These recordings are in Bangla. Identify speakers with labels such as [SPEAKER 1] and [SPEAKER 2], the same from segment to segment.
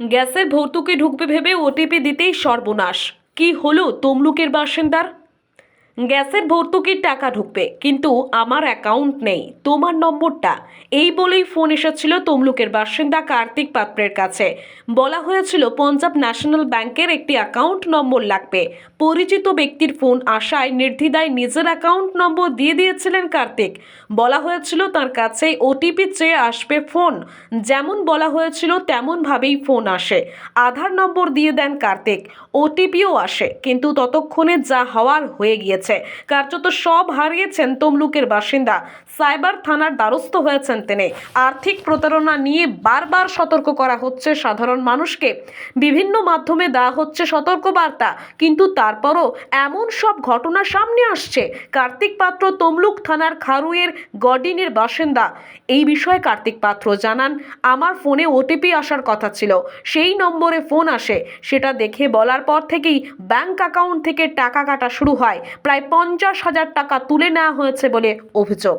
[SPEAKER 1] গ্যাসের ভর্তুকি ঢুকবে ভেবে ওটিপি দিতেই সর্বনাশ। কি হলো তমলুকের বাসিন্দার? গ্যাসের ভর্তুকির টাকা ঢুকবে, কিন্তু আমার অ্যাকাউন্ট নেই, তোমার নম্বরটা। এই বলেই ফোন এসেছিল তমলুকের বাসিন্দা কার্তিক পাত্রের কাছে। বলা হয়েছিল পঞ্জাব ন্যাশনাল ব্যাংকের একটি অ্যাকাউন্ট নম্বর লাগবে। পরিচিত ব্যক্তির ফোন আসায় নির্দ্বিধায় নিজের অ্যাকাউন্ট নম্বর দিয়ে দিয়েছিলেন কার্তিক। বলা হয়েছিল তার কাছে ওটিপি চেয়ে আসবে ফোন। যেমন বলা হয়েছিল তেমনভাবেই ফোন আসে। আধার নম্বর দিয়ে দেন কার্তিক, ওটিপিও আসে, কিন্তু ততক্ষণে যা হওয়ার হয়ে গিয়েছে। কার্যত সব হারিয়েছেন তমলুকের বাসিন্দা। সাইবার থানার দ্বারস্থ হয়েছেন তিনি। আর্থিক প্রতারণা নিয়ে বারবার সতর্ক করা হচ্ছে সাধারণ মানুষকে। বিভিন্ন মাধ্যমে দেওয়া হচ্ছে সতর্কবার্তা, কিন্তু তারপরও এমন সব ঘটনা সামনে আসছে। কার্তিক পাত্র তমলুক থানার খারুয়ের গডিনের বাসিন্দা। এই বিষয়ে কার্তিক পাত্র জানান, আমার ফোনে ওটিপি আসার কথা ছিল, সেই নম্বরে ফোন আসে। সেটা দেখে বলার পর থেকেই ব্যাংক অ্যাকাউন্ট থেকে টাকা কাটা শুরু হয়। প্রায় 50,000 টাকা তুলে নেওয়া হয়েছে বলে অভিযোগ।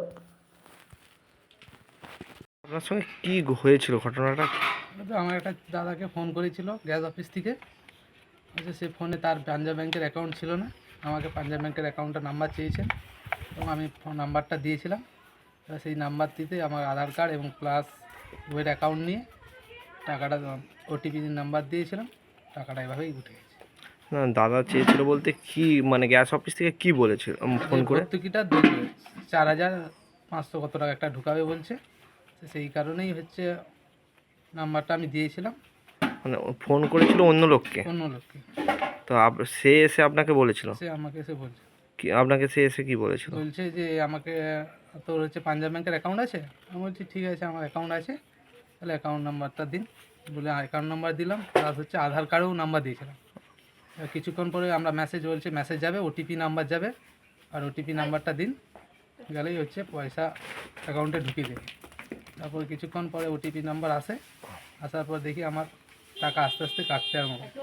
[SPEAKER 2] আপনার সঙ্গে কি হয়েছিল ঘটনাটা?
[SPEAKER 3] তো আমার একটা দাদাকে ফোন করেছিল গ্যাস অফিস থেকে। সে ফোনে তার পাঞ্জাব ব্যাংকের অ্যাকাউন্ট ছিল না, আমাকে পাঞ্জাব ব্যাংকের অ্যাকাউন্টের নাম্বার চেয়েছেন এবং আমি ফোন নাম্বারটা দিয়েছিলাম। সেই নাম্বারটিতে আমার আধার কার্ড এবং প্লাস ওয়ের অ্যাকাউন্ট নিয়ে টাকাটা ওটিপি নাম্বার দিয়েছিলাম, টাকাটা এভাবেই উঠে গেছে।
[SPEAKER 2] না, দাদা চেয়েছিল বলতে কি, মানে গ্যাস অফিস থেকে কি বলেছিল ফোন করে?
[SPEAKER 3] ভর্তুকিটা দেবে 4,500 কত টাকা একটা ঢুকাবে বলছে। সেই কারণেই হচ্ছে নাম্বারটা আমি দিয়েছিলাম
[SPEAKER 2] মানে ফোন করেছিল অন্য লোককে?
[SPEAKER 3] অন্য লোককে।
[SPEAKER 2] তো সে এসে আপনাকে বলেছিল?
[SPEAKER 3] সে আমাকে এসে বলছে
[SPEAKER 2] কি আপনাকে সে এসে কি বলেছিল?
[SPEAKER 3] বলছে যে আমাকে তোর হচ্ছে পাঞ্জাব ব্যাংকের অ্যাকাউন্ট আছে। আমি বলছি ঠিক আছে, আমার অ্যাকাউন্ট আছে, তাহলে অ্যাকাউন্ট নাম্বারটা দিন। বলে অ্যাকাউন্ট নাম্বার দিলাম, প্লাস হচ্ছে আধার কার্ডেও নাম্বার দিয়েছিলাম। কিছুক্ষণ পরে আমরা মেসেজ বলছে মেসেজ যাবে, ওটিপি নাম্বার যাবে, আর ওটিপি নাম্বারটা দিন, গেলেই হচ্ছে পয়সা অ্যাকাউন্টে ঢুকিয়ে দেবে। তারপর কিছুক্ষণ পরে ওটিপি নাম্বার আসে, আসার পর দেখি আমার টাকা আস্তে আস্তে কাটতে আরম্ভ করে।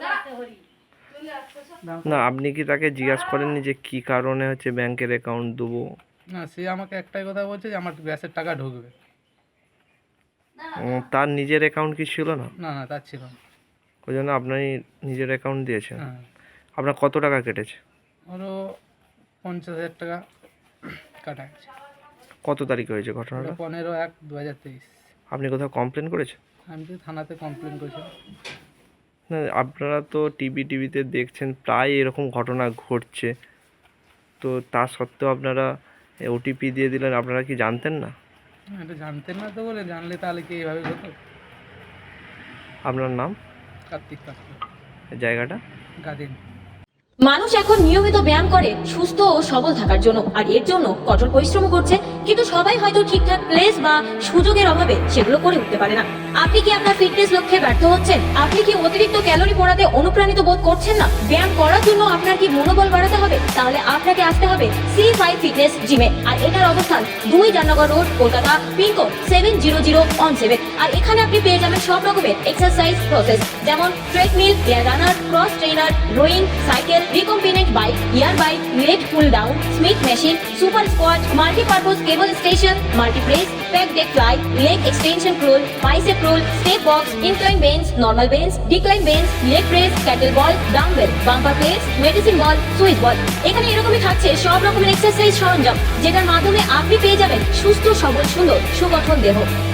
[SPEAKER 2] না, আপনি কি তাকে জিজ্ঞাসা করেননি যে কি কারণে হচ্ছে ব্যাংকের অ্যাকাউন্ট দেবো?
[SPEAKER 3] না, সে আমাকে একটাই কথা বলছে যে আমার গ্যাসের টাকা ঢুকবে।
[SPEAKER 2] তার নিজের অ্যাকাউন্ট কি ছিল না?
[SPEAKER 3] না না, তার ছিল না।
[SPEAKER 2] ওই জন্য আপনি নিজের অ্যাকাউন্ট দিয়েছেন।
[SPEAKER 3] হ্যাঁ,
[SPEAKER 2] আপনার কত টাকা কেটেছে?
[SPEAKER 3] ওরও 50,000 টাকা কাটা গেছে।
[SPEAKER 2] কত তারিখ হয়েছে ঘটনাটা?
[SPEAKER 3] 15/1/2023।
[SPEAKER 2] আপনি কোথাও কমপ্লেন করেছেন?
[SPEAKER 3] আমি তো থানাতে কমপ্লেন করেছিলাম।
[SPEAKER 2] না, আপনারা তো টিভিতে দেখছেন প্রায় এরকম ঘটনা ঘটছে, তো তা সত্ত্বেও আপনারা ওটিপি দিয়ে দিলেন। আপনারা কি জানতেন না?
[SPEAKER 3] এটা জানতেন না তো, বলে জানলে তাহলে কি এইভাবে হতো?
[SPEAKER 2] আপনার নাম,
[SPEAKER 3] কার্তিক পাত্র,
[SPEAKER 2] জায়গাটা?
[SPEAKER 3] গাদিন।
[SPEAKER 4] মানুষ এখন নিয়মিত ব্যায়াম করে সুস্থ ও সবল থাকার জন্য, আর এর জন্য কঠোর পরিশ্রম করছে, কিন্তু সবাই হয়তো ঠিকঠাক প্লেস বা সুযোগের অভাবে সেগুলো করে উঠতে পারে না। আপনি কি আপনার ফিটনেস লক্ষ্যে ব্যর্থ হচ্ছেন? আপনি কি অতিরিক্ত ক্যালোরি পোড়াতে অনুপ্রাণিত বোধ করছেন না? ব্যায়াম করার জন্য আপনার কি মনোবল বাড়াতে হবে? তাহলে আপনাকে আসতে হবে C5 ফিটনেস জিমে। আর এটার অবস্থান 2 জামনগর রোড, কলকাতা, পিনকোড 700117। আর এখানে আপনি পেয়ে যাবেন সব রকমের এক্সারসাইজ প্রসেস, যেমন treadmill, air runner, cross trainer, rowing, cycle, recombinant bike, ear bike, leg pull down, Smith machine, super squat, multi-purpose cable station, multi-press, pec deck fly, leg extension curl, bicep curl, step box, incline bench, normal bench, decline bench, leg press, kettlebell, dumbbell, bumper plates, medicine ball, Swiss ball। এখানে এরকমই থাকছে সব রকমের এক্সারসাইজ সরঞ্জাম, যেটার মাধ্যমে আপনি পেয়ে যাবেন সুস্থ, সবল, সুন্দর, সুগঠন দেহ।